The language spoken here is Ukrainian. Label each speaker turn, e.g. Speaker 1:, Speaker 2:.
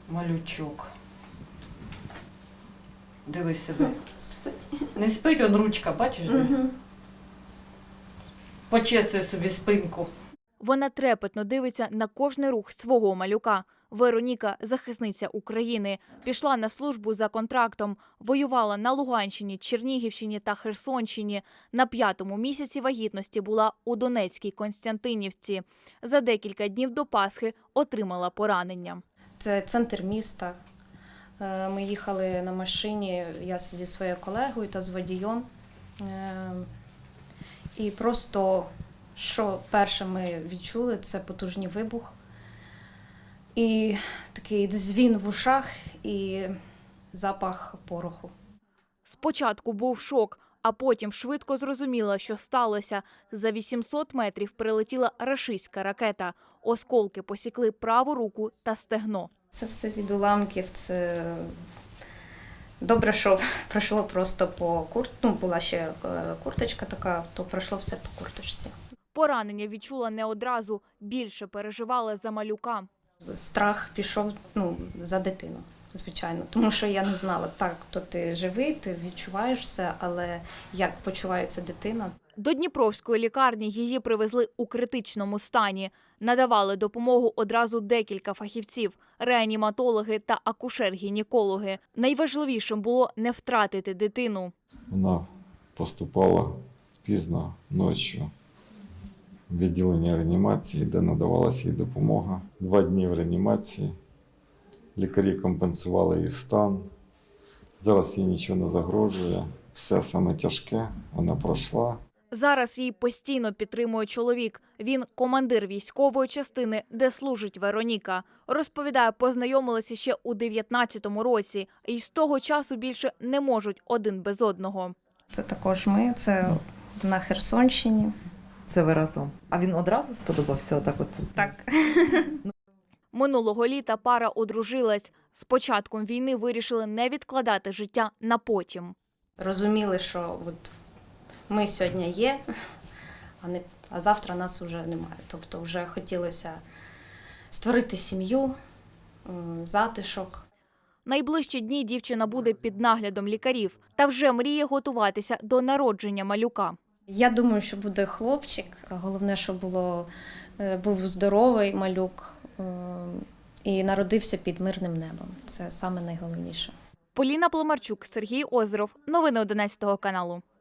Speaker 1: Малючок. Дивись себе.
Speaker 2: Спить.
Speaker 1: Не спить, он ручка, бачиш? Де?
Speaker 2: Угу.
Speaker 1: Почесує собі спинку.
Speaker 3: Вона трепетно дивиться на кожний рух свого малюка. Вероніка – захисниця України. Пішла на службу за контрактом. Воювала на Луганщині, Чернігівщині та Херсонщині. На 5-му місяці вагітності була у Донецькій Константинівці. За декілька днів до Пасхи отримала поранення.
Speaker 2: Це центр міста. Ми їхали на машині, я зі своєю колегою та з водієм. І просто, що перше ми відчули, це потужний вибух. І такий дзвін в ушах і запах пороху.
Speaker 3: Спочатку був шок, а потім швидко зрозуміла, що сталося. За 800 метрів прилетіла рашистська ракета. Осколки посікли праву руку та стегно.
Speaker 2: Це все від уламків, це добре, що пройшло просто по куртці. Ну, була ще курточка така, то пройшло все по курточці.
Speaker 3: Поранення відчула не одразу, більше переживала за малюка.
Speaker 2: Страх пішов за дитину, звичайно. Тому що я не знала, так, то ти живий, ти відчуваєш все, але як почувається дитина.
Speaker 3: До Дніпровської лікарні її привезли у критичному стані. Надавали допомогу одразу декілька фахівців – реаніматологи та акушер-гінекологи. Найважливішим було не втратити дитину.
Speaker 4: Вона поступала пізно ночі в відділення реанімації, де надавалася їй допомога. 2 дні в реанімації. Лікарі компенсували її стан. Зараз їй нічого не загрожує. Все саме тяжке вона пройшла.
Speaker 3: Зараз її постійно підтримує чоловік. Він – командир військової частини, де служить Вероніка. Розповідає, познайомилися ще у 19-му році. І з того часу більше не можуть один без одного.
Speaker 2: Це також ми, це на Херсонщині.
Speaker 5: Це ви разом. А він одразу сподобався отак от?
Speaker 2: Так.
Speaker 3: Минулого літа пара одружилась. З початком війни вирішили не відкладати життя на потім.
Speaker 2: Розуміли, що от ми сьогодні є, а завтра нас вже немає. Тобто вже хотілося створити сім'ю, затишок.
Speaker 3: Найближчі дні дівчина буде під наглядом лікарів та вже мріє готуватися до народження малюка.
Speaker 2: Я думаю, що буде хлопчик. Головне, щоб був здоровий малюк і народився під мирним небом. Це саме найголовніше.
Speaker 3: Поліна Пломарчук, Сергій Озеров. Новини 11 каналу.